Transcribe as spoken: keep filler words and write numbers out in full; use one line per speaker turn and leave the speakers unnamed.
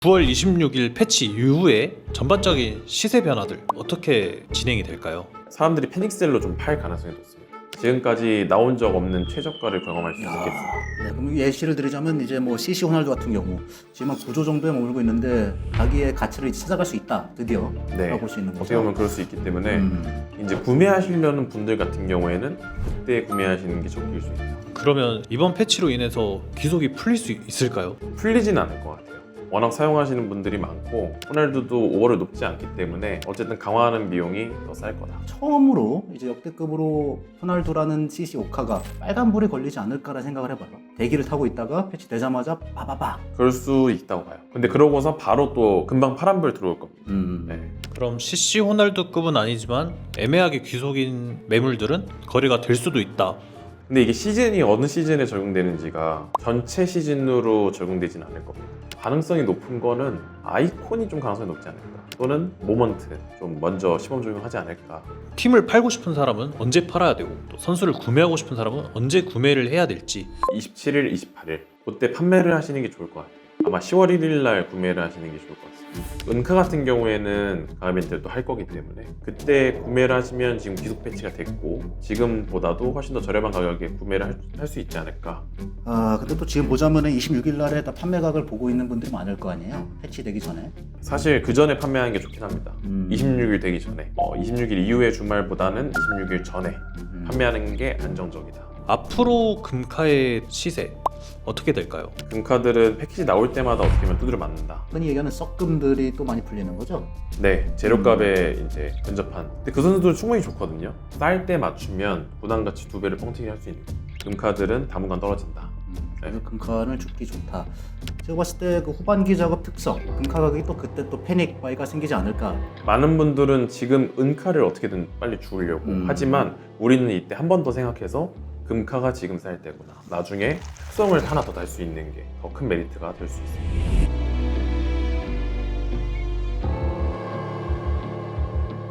구월 이십육일 패치 이후에 전반적인 시세 변화들 어떻게 진행이 될까요?
사람들이 패닉셀로 좀 팔 가능성이 높습니다. 지금까지 나온 적 없는 최저가를 경험할 수 있겠습니다.
네, 그럼 예시를 드리자면 이제 뭐 씨씨 호날두 같은 경우 지금 한 구조 정도에 머물고 있는데 자기의 가치를 이제 찾아갈 수 있다 드디어
네,
라고 볼 수 있는
어떻게
거죠.
보면 그럴 수 있기 때문에
음.
이제 구매하시려는 분들 같은 경우에는 그때 구매하시는 게 적기일 수 있다.
그러면 이번 패치로 인해서 귀속이 풀릴 수 있을까요?
풀리진 않을 것 같아요. 워낙 사용하시는 분들이 많고 호날두도 오버를 높지 않기 때문에 어쨌든 강화하는 비용이 더 쌀 거다.
처음으로 이제 역대급으로 호날두라는 씨씨 오카가 빨간불이 걸리지 않을까라는 생각을 해봐요. 대기를 타고 있다가 패치 되자마자 빠바바.
그럴 수 있다고 봐요. 근데 그러고서 바로 또 금방 파란불 들어올 겁니다.
음.
네.
그럼 씨씨 호날두급은 아니지만 애매하게 귀속인 매물들은 거래가 될 수도 있다.
근데 이게 시즌이 어느 시즌에 적용되는지가 전체 시즌으로 적용되진 않을 겁니다. 가능성이 높은 거는 아이콘이 좀 가능성이 높지 않을까, 또는 모먼트 좀 먼저 시범 적용하지 않을까.
팀을 팔고 싶은 사람은 언제 팔아야 되고 또 선수를 구매하고 싶은 사람은 언제 구매를 해야 될지.
이십칠일, 이십팔일 그때 판매를 하시는 게 좋을 것 같아요. 아마 시월 일일 날 구매를 하시는 게 좋을 것 같습니다. 은카 같은 경우에는 강화 이벤트를 또 할 거기 때문에 그때 구매를 하시면 지금 기속 패치가 됐고 지금보다도 훨씬 더 저렴한 가격에 구매를 할 수 있지 않을까.
아 근데 또 지금 보자면은 이십육일 날에 다 판매각을 보고 있는 분들이 많을 거 아니에요. 패치 되기 전에.
사실 그 전에 판매하는 게 좋긴 합니다.
음.
이십육일 되기 전에 어, 이십육일 이후의 주말보다는 이십육일 전에
음.
판매하는 게 안정적이다.
앞으로 금카의 시세 어떻게 될까요?
금카들은 패키지 나올 때마다 어떻게 보면 두드려 맞는다.
흔히 얘기하는 썩금들이 또 많이 풀리는 거죠.
네, 재료값에 이제 근접한. 근데 그 선수들은 충분히 좋거든요. 쌀 때 맞추면 부담가치 두 배를 뻥튀기 할 수 있는. 금카들은 당분간 떨어진다.
음,
네.
그래서 금카는 죽기 좋다. 제가 봤을 때 그 후반기 작업 특성, 금카 가격이 또 그때 또 패닉 바이가 생기지 않을까.
많은 분들은 지금 은카를 어떻게든 빨리 주우려고
음.
하지만 우리는 이때 한 번 더 생각해서 금카가 지금 쌀 때구나. 나중에 특성을 하나 더 달 수 있는 게 더 큰 메리트가 될 수 있습니다.